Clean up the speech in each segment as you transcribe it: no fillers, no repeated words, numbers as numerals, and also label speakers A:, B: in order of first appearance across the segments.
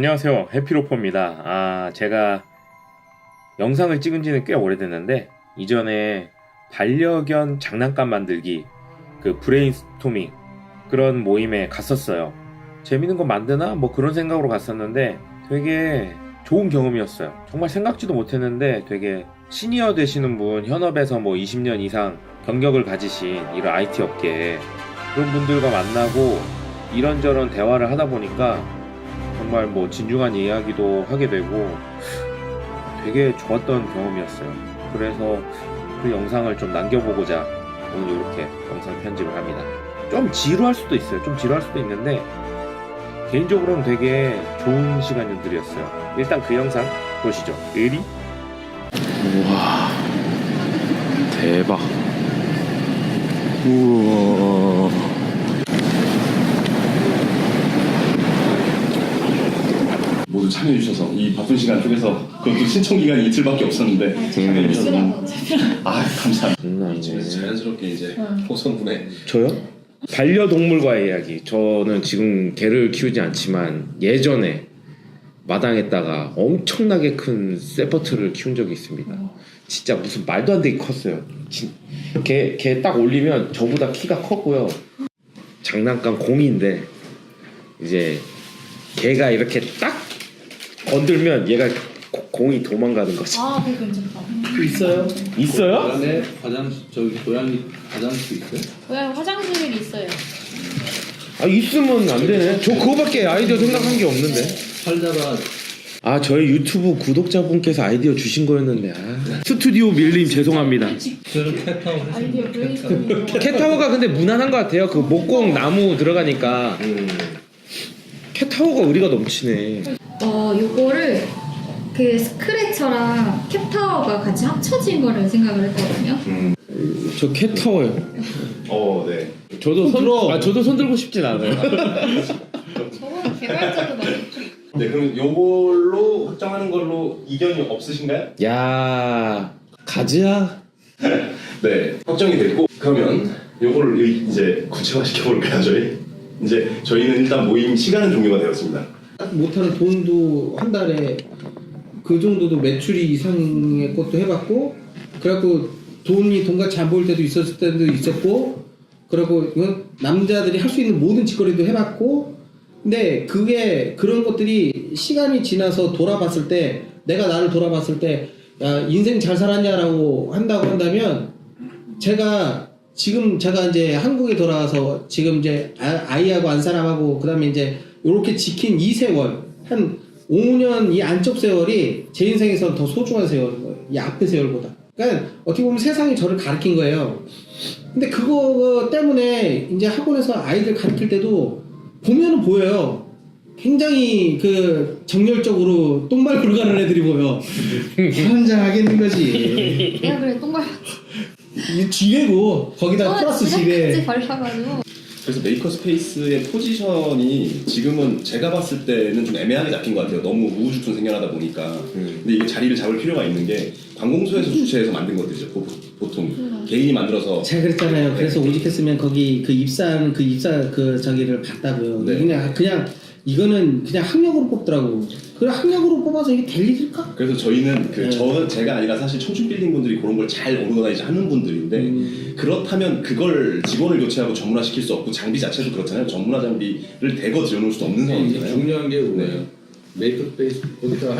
A: 안녕하세요, 해피로퍼입니다. 제가 영상을 찍은 지는 꽤 오래됐는데 이전에 반려견 장난감 만들기 그 브레인스토밍 그런 모임에 갔었어요. 재밌는 거 만드나? 뭐 그런 생각으로 갔었는데 되게 좋은 경험이었어요. 정말 생각지도 못했는데 되게 시니어 되시는 분, 현업에서 뭐 20년 이상 경력을 가지신 이런 IT 업계에 그런 분들과 만나고 이런저런 대화를 하다 보니까 정말 뭐 진중한 이야기도 하게 되고 되게 좋았던 경험이었어요. 그래서 그 영상을 좀 남겨보고자 오늘 이렇게 영상 편집을 합니다. 좀 지루할 수도 있어요. 좀 지루할 수도 있는데 개인적으로는 되게 좋은 시간들이었어요. 일단 그 영상 보시죠. 의리? 우와, 대박. 우와.
B: 모두 참여해주셔서 이 바쁜 시간 속에서 그것도 신청 기간이 이틀밖에 없었는데 참여해주셔서 너무 감사합니다. 이쯤에서 자연스럽게 이제 호성군에
A: 저요? 반려동물과의 이야기. 저는 지금 개를 키우지 않지만 예전에 마당에다가 엄청나게 큰 세퍼트를 키운 적이 있습니다. 진짜 무슨 말도 안 되게 컸어요. 걔 딱 올리면 저보다 키가 컸고요. 장난감 공인데 이제 걔가 이렇게 딱 건들면 얘가 공이 도망가는 거지.
C: 아, 그거 괜찮다.
A: 있어요? 있어요?
D: 고향에 화장실, 저기 고양이 화장실 있어요?
C: 고양이 화장실이 있어요.
A: 아, 있으면 안 되네. 저 그거밖에 아이디어 생각한 게 없는데.
D: 살다가
A: 저희 유튜브 구독자분께서 아이디어 주신 거였는데. 스튜디오 밀림 죄송합니다.
D: 저는 캣타워
C: 아이디어 브레인스토밍.
A: 캣타워가 근데 무난한 것 같아요. 그 목공 나무 들어가니까. 캣타워가 의리가 넘치네.
E: 요거를 그 스크래처랑 캡타워가 같이 합쳐진 거를 생각을 했거든요.
A: 저 캣타워요.
B: 네.
A: 저도 손 들고 싶진 않아요.
C: 저거는 개발자도 많이.
B: 네, 그럼 요걸로 확정하는 걸로 이견이 없으신가요?
A: 야, 가즈야.
B: 네, 확정이 됐고 그러면 요거를 이제 구체화시켜 볼까요, 저희? 이제 저희는 일단 모임 시간은 종료가 되었습니다.
F: 못하는 돈도 한 달에 그 정도도 매출이 이상의 것도 해봤고, 그래갖고 돈같이 안 보일 때도 있었을 때도 있었고, 그리고 남자들이 할 수 있는 모든 짓거리도 해봤고, 근데 그게 그런 것들이 시간이 지나서 돌아봤을 때, 내가 나를 돌아봤을 때, 야, 인생 잘 살았냐라고 한다면, 제가 이제 한국에 돌아와서 지금 이제 아이하고 안사람하고 그다음에 이제 요렇게 지킨 이 세월, 한 5년 이 안쪽 세월이 제 인생에서는 더 소중한 세월인 거예요. 이 앞의 세월보다. 그러니까 어떻게 보면 세상이 저를 가르친 거예요. 근데 그거 때문에 이제 학원에서 아이들 가르칠 때도 보면은 보여요. 굉장히 그 정열적으로 똥말부를 가는 애들이 보여. 환장하겠는 거지.
E: 내가 그래 똥말
F: 이 지뢰고 거기다 플러스 지뢰.
E: 발라가지고.
B: 그래서 메이커 스페이스의 포지션이 지금은 제가 봤을 때는 좀 애매하게 잡힌 것 같아요. 너무 우후죽순 생겨나다 보니까. 근데 이게 자리를 잡을 필요가 있는 게 관공서에서 주최해서 만든 것들이죠. 보통 개인이 만들어서.
F: 제가 그랬잖아요. 그래서 오직했으면 거기 그 입사 그 저기를 봤다고요.
B: 네.
F: 그냥 이거는 그냥 학력으로 뽑더라고. 그 학력으로 뽑아서 이게 될 일일까?
B: 그래서 저희는 제가 아니라 사실 청춘 빌딩 분들이 그런 걸 잘 오르가나이즈 하는 분들인데 그렇다면 그걸 직원을 교체하고 전문화 시킬 수 없고 장비 자체도 그렇잖아요. 전문화 장비를 대거 들여놓을 수도 없는 상황이잖아요.
D: 중요한 게 뭐예요? 메이크업 스페이스 거기다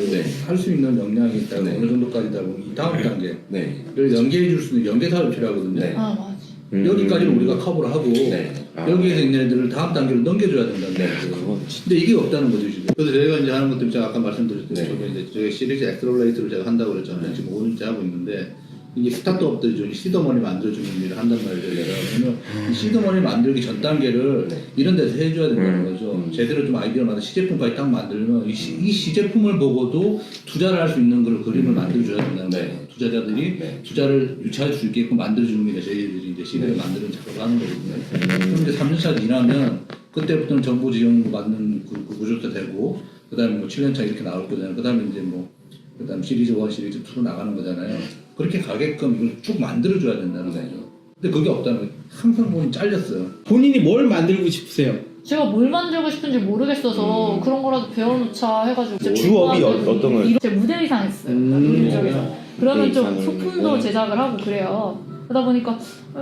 D: 할 수 있는 역량이 있다고 어느 정도까지다 보면 이 다음 단계를 연계해 줄 수 있는 연계 사업이 필요하거든요.
B: 네.
C: 맞지.
D: 여기까지는 우리가 커버를 하고 여기에서 있는 애들을 다음 단계로 넘겨줘야 된다는 거죠. 근데 이게 없다는 거죠 지금. 그래서 저희가 이제 하는 것들 제가 아까 말씀드렸듯이 저희 시리즈 엑스플로레이트를 제가 한다고 그랬잖아요. 지금 5년째 하고 있는데 이게 스타트업들이 시드머니 만들어주는 일을 한단 말이에요. 그러면 이 시드머니 만들기 전 단계를 이런 데서 해줘야 된다는 거죠. 제대로 좀 아이디어를 만들어 시제품까지 딱 만들면 이 시제품을 보고도 투자를 할 수 있는 걸 그림을 만들어줘야 된다는 거예요. 투자자들이 투자를 유치할 수 있게끔 만들어주는 게 저희들이 이제 시대를 만드는 작업을 하는 거거든요. 그럼 이제 3년차 지나면 그때부터는 정부 지원 받는 그 구조도 되고, 그 다음에 뭐 7년차 이렇게 나올 거잖아요. 그 다음에 이제 그 다음 시리즈 1, 시리즈 2로 나가는 거잖아요. 그렇게 가게끔 이걸 쭉 만들어줘야 된다는 거죠. 근데 그게 없다는 거예요. 항상 보면 잘렸어요.
F: 본인이 뭘 만들고 싶으세요?
C: 제가 뭘 만들고 싶은지 모르겠어서 그런 거라도 배워놓자 해가지고 진짜
A: 주업이
C: 공부하더니
A: 어떤 걸?
C: 제가 무대 의상 했어요. 무대 쪽에서. 그러면 좀
A: 의상을
C: 소품도
A: 했고.
C: 제작을 하고 그래요. 그러다 보니까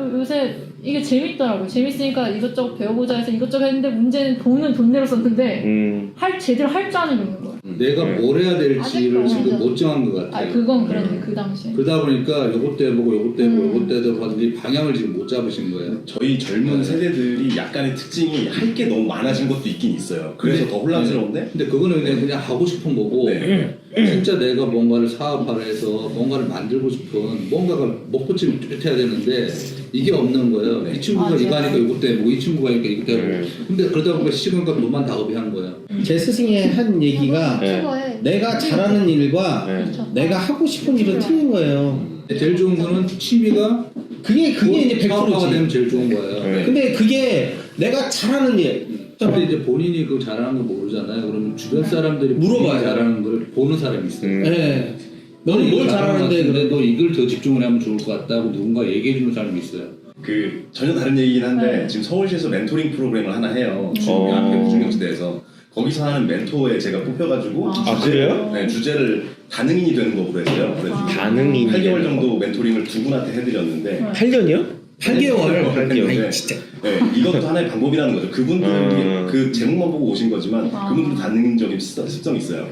C: 요새 이게 재밌더라고요. 재밌으니까 이것저것 배워보자 해서 이것저것 했는데 문제는 돈은 돈대로 썼는데 제대로 할 줄 아는 게 없는 거예요.
D: 내가 뭘 해야 될지를
C: 아직도
D: 지금
C: 맞아.
D: 못 정한 것 같아요.
C: 그건 그랬네 그 당시에.
D: 그러다 보니까 요것도 해보고 요것도 해보고 요것도 해보고 하든지 방향을 지금 못 잡으신 거예요.
B: 저희 젊은 세대들이 약간의 특징이 할 게 너무 많아진 것도 있긴 있어요. 그래서
D: 근데-
B: 더 혼란스러운데
D: 근데 그거는 그냥 하고 싶은 거고
B: 네.
D: 진짜 내가 뭔가를 사업화해서 뭔가를 만들고 싶은 뭔가가 목표점이 뚜렷해야 되는데 이게 없는 거예요.
B: 네.
D: 이 친구가
C: 맞아요.
D: 이거 하니까 이것도 해보고 이 친구가 하니까 이것도 해보고 근데 그러다 보니까 시간과 돈만 다 허비한 거예요.
F: 제 스승이 한 얘기가
A: 네.
C: 그거에
F: 내가 잘하는 일과
C: 그렇죠.
F: 내가 하고 싶은 일은 틀린 거예요.
D: 제일 좋은 거는 취미가
F: 그게 이제
D: 사업화가 되면
F: 100%지.
D: 제일 좋은 거예요.
A: 네.
F: 근데 그게 내가 잘하는 일.
D: 근데 이제 본인이 그 잘하는 거 모르잖아요. 그러면 주변 사람들이
F: 물어봐요.
D: 본인이 잘하는 걸 보는 사람이 있어요.
F: 네. 너는 뭘 잘하는데
D: 근데
F: 그래?
D: 너 이걸 더 집중을 하면 좋을 것 같다고 누군가 얘기해 주는 사람이 있어요.
B: 그 전혀 다른 얘기긴 한데
C: 네.
B: 지금 서울시에서 멘토링 프로그램을 하나 해요.
A: 어.
B: 앞에 중경지대에서 거기서 하는 멘토에 제가 뽑혀가지고
A: 아, 그래요?
B: 네, 주제를 다능인이 되는 법으로 했어요. 그래서
A: 다능인이
B: 8개월 정도 멘토링을 두 분한테 해드렸는데
A: 8년이요?
F: 8개월.
A: 8개월.
B: 네.
F: 아이, 진짜.
B: 네, 이것도 하나의 방법이라는 거죠. 그분들이 그 제목만 보고 오신 거지만
C: 아.
B: 그분들도 다능적인 습성이 있어요.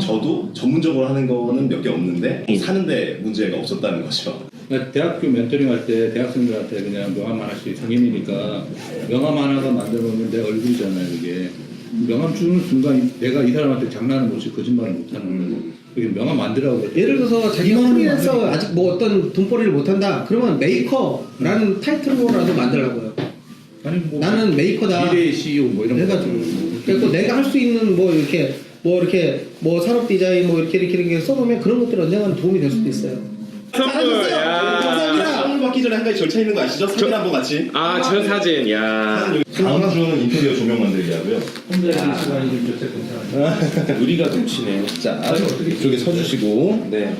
B: 저도 전문적으로 하는 거는 몇 개 없는데 사는데 문제가 없었다는 거죠.
D: 그러니까 대학교 멘토링 할 때 대학생들한테 그냥 명함 하나씩 성인이니까 명함 하나가 만들어 놓으면 내 얼굴이잖아요 이게. 명함 주는 순간 내가 이 사람한테 장난을 못치 거짓말을 못하는 거예요. 그게 명함 만들라고 그래.
F: 예를 들어서 자기가
D: 이거는
F: 프리랜서
D: 만드니까.
F: 아직 뭐 어떤 돈벌이를 못한다. 그러면 메이커라는 타이틀로라도 만들라고요.
D: 아니 뭐
F: 나는 메이커다.
D: 미래의 CEO 뭐 이런 거.
F: 해가지고 그리고 내가 할 수 있는 뭐 이렇게 산업 디자인 뭐 이렇게 써놓으면 그런 것들이 언젠가는 도움이 될 수도 있어요.
A: 선물. 야.
B: 선물 받기 전에 한 가지 절차 있는 거 아시죠? 사진 한번 같이.
A: 아, 저 사진. 야.
B: 다음 주는 인테리어 조명 만들기 하고요.
D: 혼자 있는 시간이 좀 좋대 괜찮아요.
A: 의리가 넘치네.
B: 자, 이쪽에 서주시고.
A: 네.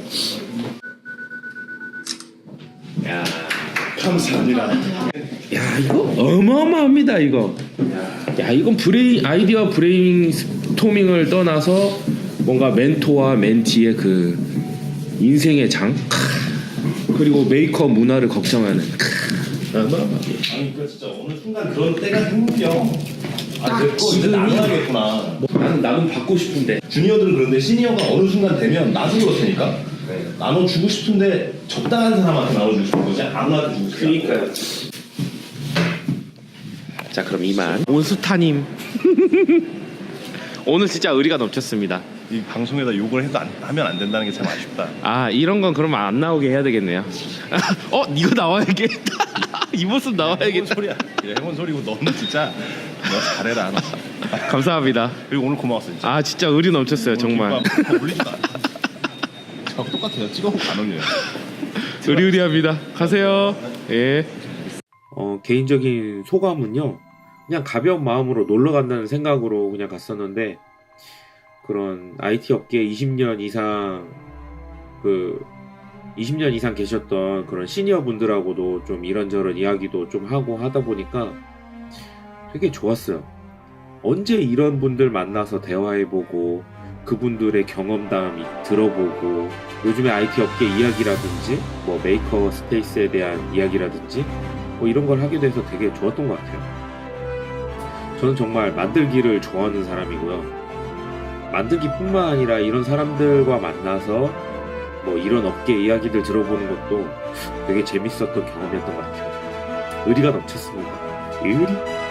A: 야.
B: 감사합니다.
A: 야, 이거 어마어마합니다, 이거. 야, 이건 아이디어 브레인스토밍을 떠나서 뭔가 멘토와 멘티의 그 인생의 장. 그리고 메이커 문화를 걱정하는.
B: 아니 그 진짜 어느 순간 그런 때가 생겨. 아, 내거 이제 나눠야겠구나.
A: 나는 받고 싶은데.
B: 주니어들은 그런데 시니어가 어느 순간 되면 나도 그렇다니까. 나눠주고 싶은데 적당한 사람한테 나눠주고 싶은 거지 아무한테 주고 싶지 않고.
A: 그러니까요. 자, 그럼 이만 온수타님. 오늘 진짜 의리가 넘쳤습니다.
B: 이 방송에다 욕을 해도 하면 안 된다는 게 참 아쉽다.
A: 아, 이런 건 그러면 안 나오게 해야 되겠네요. 이거 나와야겠다. 이 모습
B: 해본
A: 나와야겠다.
B: 소리야. 해본 소리고 너는 진짜 너 잘해라.
A: 감사합니다.
B: 그리고 오늘 고마웠어 진짜.
A: 아, 진짜 의리 넘쳤어요, 정말.
B: 올리지도 않아. 저 똑같아요. 찍어보고 안 올려요.
A: 의리의리합니다. 가세요. 예. 개인적인 소감은요. 그냥 가벼운 마음으로 놀러 간다는 생각으로 그냥 갔었는데 그런 IT 업계에 20년 이상 계셨던 그런 시니어 분들하고도 좀 이런저런 이야기도 좀 하고 하다 보니까 되게 좋았어요. 언제 이런 분들 만나서 대화해보고 그분들의 경험담 들어보고 요즘에 IT 업계 이야기라든지 뭐 메이커 스페이스에 대한 이야기라든지 뭐 이런 걸 하게 돼서 되게 좋았던 것 같아요. 저는 정말 만들기를 좋아하는 사람이고요. 만들기뿐만 아니라 이런 사람들과 만나서 뭐 이런 업계 이야기들 들어보는 것도 되게 재밌었던 경험이었던 것 같아요. 의리가 넘쳤습니다. 의리?